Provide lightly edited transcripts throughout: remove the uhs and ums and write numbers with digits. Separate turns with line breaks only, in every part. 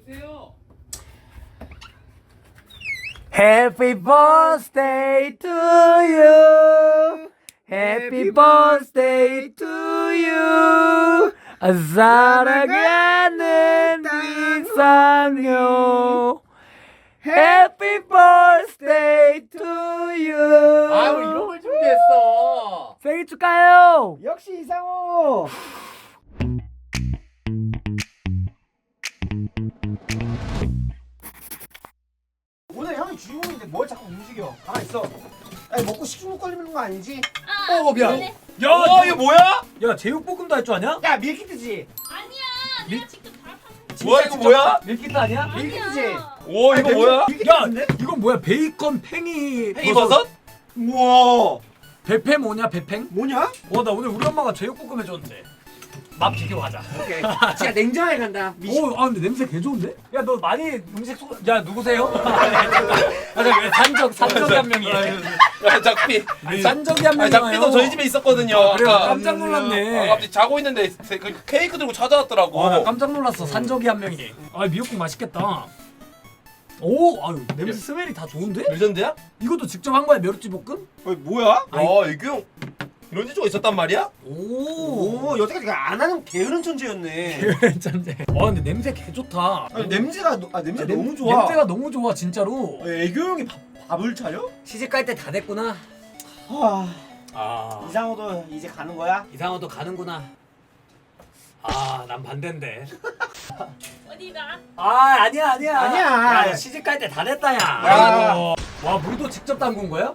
여보세요.
Happy birthday to you. Happy birthday to you. 사랑하는 이상형. Happy birthday to you.
아, 우리 이런 걸 준비했어.
생일 축하해요.
역시 이상호. 오늘 형이 주인공인데 뭘 자꾸 움직여? 가만 있어. 아니 먹고 식중독 걸리는 거 아니지?
미안.
네.
야,
이거 뭐야?
야, 제육볶음도 할 줄 아냐?
야 밀키트지?
아니야, 내가 직접 다 파는
뭐야 이거 뭐야?
밀키트 아니야?
밀키트지?
오 이거 뭐야?
야, 이건 뭐야? 베이컨 팽이
팽이버섯?
우와.
배팽 뭐냐? 배팽?
뭐냐?
나 오늘 우리 엄마가 제육볶음 해줬는데 맛 비교하자.
오케이. 진짜 냉정하게 간다.
근데 냄새 개 좋은데? 야, 너 많이 음식 야, 누구세요? 산적이 한 명이.
야 작비.
산적이 한 명이.
작비도 저희 집에 있었거든요.
그래,
아까.
깜짝 놀랐네.
갑자기 자고 있는데 그 케이크 들고 찾아왔더라고.
나 깜짝 놀랐어. 산적이 한 명이. 미역국 맛있겠다. 냄새 스멜이 다 좋은데?
레전드야?
이것도 직접 한 거야, 멸치 볶음?
뭐야?
애교 형 이런 지조가 있었단 말이야?
오 여태까지 안 하는 게으른 천재였네.
괜찮네. 근데 냄새 개 좋다.
아니, 냄새가 냄새
냄-
너무 좋아.
냄새가 너무 좋아, 진짜로.
애교 형이 밥을 차려?
시집 갈 때 다 됐구나.
이상호도 이제 가는 거야?
이상호도 가는구나. 난 반대인데.
어디가?
아니야.
아니야.
야, 시집 갈 때 다 됐다, 야.
야.
와, 물도 직접 담근 거야?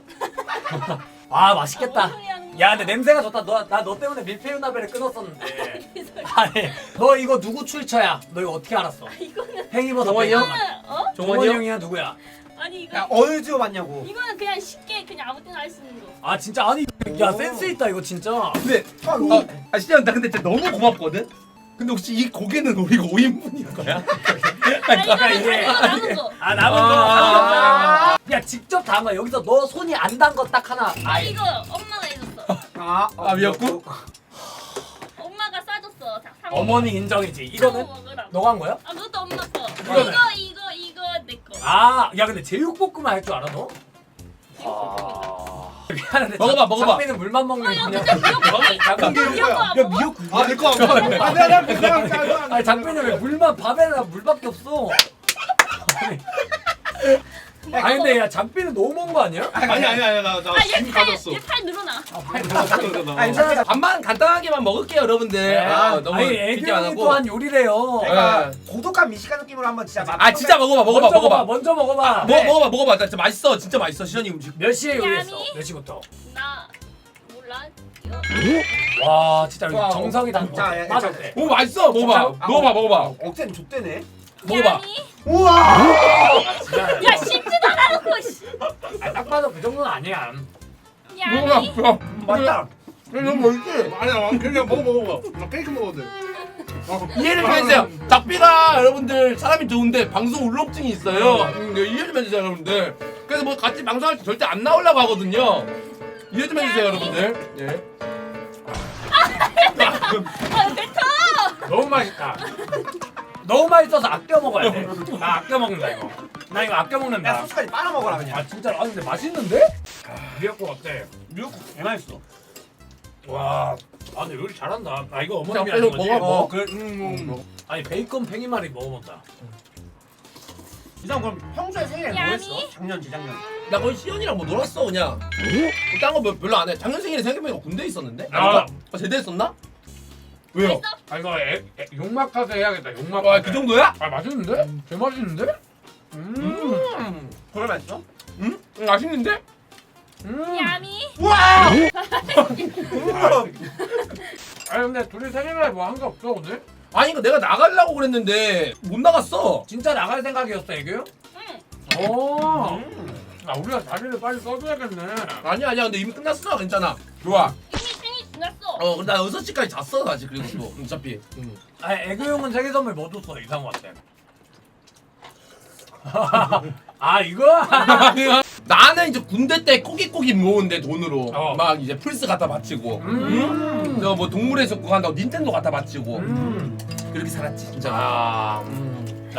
맛있겠다.
뭔 소리 하는 거야?
야, 근데 냄새가 좋다. 나 너 때문에 밀푀유나베를 끊었었는데. 아니, 너 이거 누구 출처야? 너 이거 어떻게 알았어?
이거는
팽이버섯.
정원이 형?
어?
정원이 형이야, 누구야?
아니 이거
야 어느 지어 봤냐고.
이거는 그냥 쉽게 그냥 아무 때나 할 수 있는 거.
진짜 아니, 야, 센스 있다 이거 진짜.
근데 진짜 나 근데 진짜 너무 고맙거든? 근데 혹시 이 고기는 우리가 5인분인 거야?
이거는
이게-
이거 남은 거.
남은 거. 야, 직접 담은 거야. 여기서 너 손이 안 단 거 딱 하나.
이거 엄마가 해줬어.
미역국?
엄마가 싸줬어. 자, 사
어머니 인정이지. 이거는
먹으라고.
너가 한 거야?
그것도 엄마 거.
이거는?
이거 내 거.
야, 근데 제육볶음 할 줄 알아 너? 미안한데.
먹어봐.
장비는 물만 먹는
야,
그냥.
근데 미역국
장비.
미역국 안 먹어?
내거
아니, 장비는 왜 물만 밥에다 물밖에 없어? 아니 근데 야, 장비는 너무 먹은 거 아니야?
아니 나
얘팔 늘어나.
밥만 간단하게만 먹을게요 여러분들. 너무
아니,
깊게 안
애교형이
하고.
또한 요리래요.
내가 고독한 미식가 느낌으로 한번 진짜
진짜 먹어봐.
먼저 먹어봐.
먹어봐. 나 진짜 맛있어. 진짜 맛있어. 시현이 음식.
몇 시에 요리했어?
야미?
몇 시부터?
나 몰라. 이거
와, 진짜
와,
정성이 다.
자, 야,
맞아.
자,
오 맛있어. 먹어봐. 먹어봐.
억센 족대네.
먹어봐.
야미?
우와.
야 씹지도 않아놓고 씨.
딱 봐도 그 정도는 아니야.
야미?
맞다.
너무 맛있지?
아니야 그냥 먹어봐 나 케이크 먹어도 돼
이해를 좀 해주세요. 작비가 여러분들 사람이 좋은데 방송 울렁증이 있어요. 이해 좀 해주세요 여러분들. 그래서 뭐 같이 방송할 때 절대 안 나오려고 하거든요. 이해 좀 해주세요 여러분들. 예.
뱉어.
너무 맛있다. 너무 맛있어서 아껴 먹어야 돼. 나 아껴 먹는다 이거. 나 이거 아껴
야
먹는다.
소스까지 빨아 먹어라 그냥.
진짜 근데 맛있는데? 미역국 어때?
미역국 개 맛있어.
와. 근데 요리 잘한다. 이거 어머님이
자,
하는
빨리
거지?
먹어.
그래.
아니 베이컨 팽이말이 먹어본다.
이상 그럼 평소에 생일에 뭐
야미?
했어? 작년 재작년.
나 거의 시연이랑 뭐 놀았어 그냥. 딴거 별로 안 해. 작년 생일에 생각해보니까 군대 있었는데? 제대했었나? 왜요?
이거 용막하세 해야겠다. 용막.
그 정도야?
맛있는데? 개 맛있는데?
그걸 맛있어?
응? 맛있는데?
야미?
우와.
근데 둘이 생일날 뭐 한 게 없어 오늘?
아니 이거 내가 나가려고 그랬는데 못 나갔어.
진짜 나갈 생각이었어 애교요?
응.
오. 우리가 자리를 빨리 써줘야겠네.
아니야 근데 이미 끝났어. 괜찮아. 좋아.
이미 생일 지났어.
근데 나 6시까지 잤어 아직 그리고 또 어차피.
애교 형은 생일 선물 뭐 줬어 이상호한테? 이거?
나는 이제 군대 때 꼬깃꼬깃 모은데 돈으로
어.
막 이제 플스 갖다 바치고 뭐 동물의 숲 그거 한다고 닌텐도 갖다 바치고 그렇게 살았지 진짜.